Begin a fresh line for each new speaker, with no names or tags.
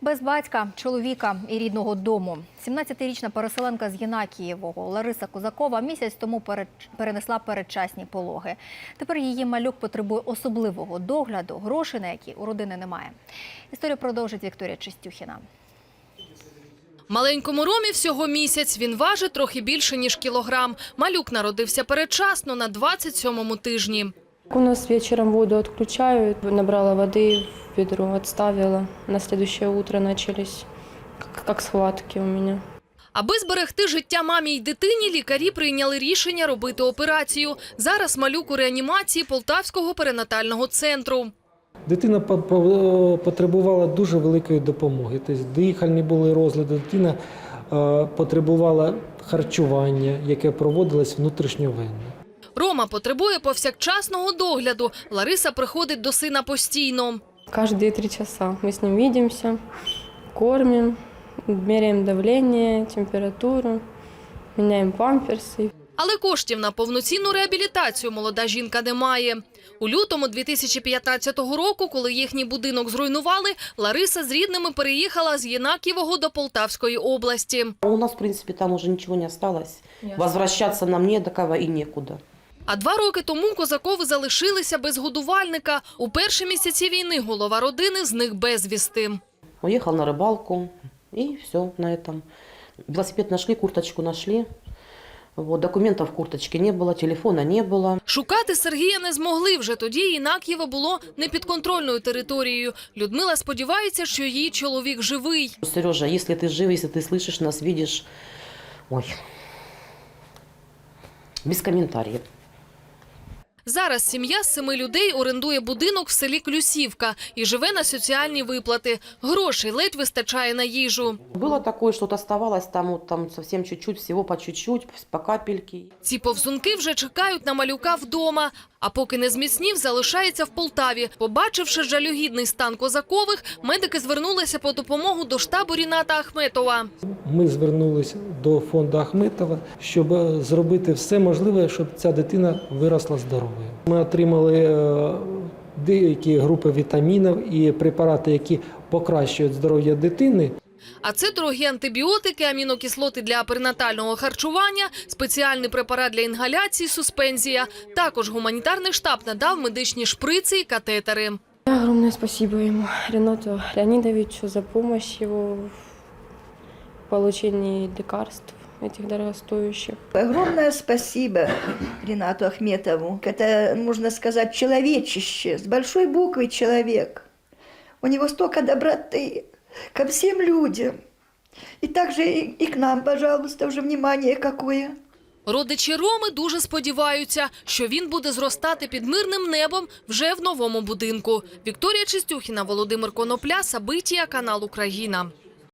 Без батька, чоловіка і рідного дому. 17-річна переселенка з Єнакієвого Лариса Козакова місяць тому перенесла передчасні пологи. Тепер її малюк потребує особливого догляду, грошей на які у родини немає. Історію продовжить Вікторія Чистюхіна.
Маленькому Ромі всього місяць. Він важить трохи більше, ніж кілограм. Малюк народився передчасно на 27-му тижні.
У нас вечером воду отключают, набрала воды в ведро, отставила. На следующее утро начались как схватки у меня.
Аби зберегти життя мамі й дитині, лікарі прийняли рішення робити операцію. Зараз малюк у реанімації Полтавського перинатального центру.
Дитина потребувала дуже великої допомоги. Тобто дихальні були розлади, дитина потребувала харчування, яке проводилось внутрішньовенно.
Рома потребує повсякчасного догляду. Лариса приходить до сина постійно.
Каждые 3 часа мы с ним видимся, кормим, меряем давление, температуру, меняем памперсы.
Але коштів на повноцінну реабілітацію молода жінка не має. У лютому 2015 року, коли їхній будинок зруйнували, Лариса з рідними переїхала з Єнакієвого до Полтавської області.
У нас, в принципе, там уже ничего не осталось. Возвращаться нам не до кого и некуда.
А 2 роки тому Козакови залишилися без годувальника. У перші місяці війни голова родини зник безвісти.
Уехал на рыбалку, и все на этом. Велосипед нашли, курточку нашли. Вот, документов в курточке не было, телефона не было.
Шукати Сергія не змогли. Вже тоді Єнакієво було непідконтрольною територією. Людмила сподівається, що її чоловік живий.
Сережа, если ты жив, если ты слышишь нас, видишь, ой, без комментариев.
Зараз сім'я з 7 людей орендує будинок в селі Клюсівка і живе на соціальні виплати. Грошей ледь вистачає на їжу.
Было такое, что-то оставалось там совсем чуть-чуть, всего по чуть-чуть, по капельке.
Ці повзунки вже чекають на малюка вдома. А поки не зміцнів, залишається в Полтаві. Побачивши жалюгідний стан Козакових, медики звернулися по допомогу до штабу Ріната Ахметова.
Ми звернулися до фонду Ахметова, щоб зробити все можливе, щоб ця дитина виросла здоровою. Ми отримали деякі групи вітамінів і препарати, які покращують здоров'я дитини.
А це дорогі антибіотики, амінокислоти для перинатального харчування, спеціальний препарат для інгаляції, суспензія. Також гуманітарний штаб надав медичні шприци і катетери.
Огромное спасибо ему, Ренату Леонидовичу, за помощь его в получении лекарств этих дорогостоящих.
Огромное спасибо Ринату Ахметову. Это, можно сказать, человечище, с большой буквы человек. У него столько доброты ко всем людям. И также и к нам, пожалуйста, уже внимание какое.
Родичі Роми дуже сподіваються, що він буде зростати під мирним небом вже в новому будинку. Вікторія Чистюхіна, Володимир Конопля, Сабитія, канал Україна.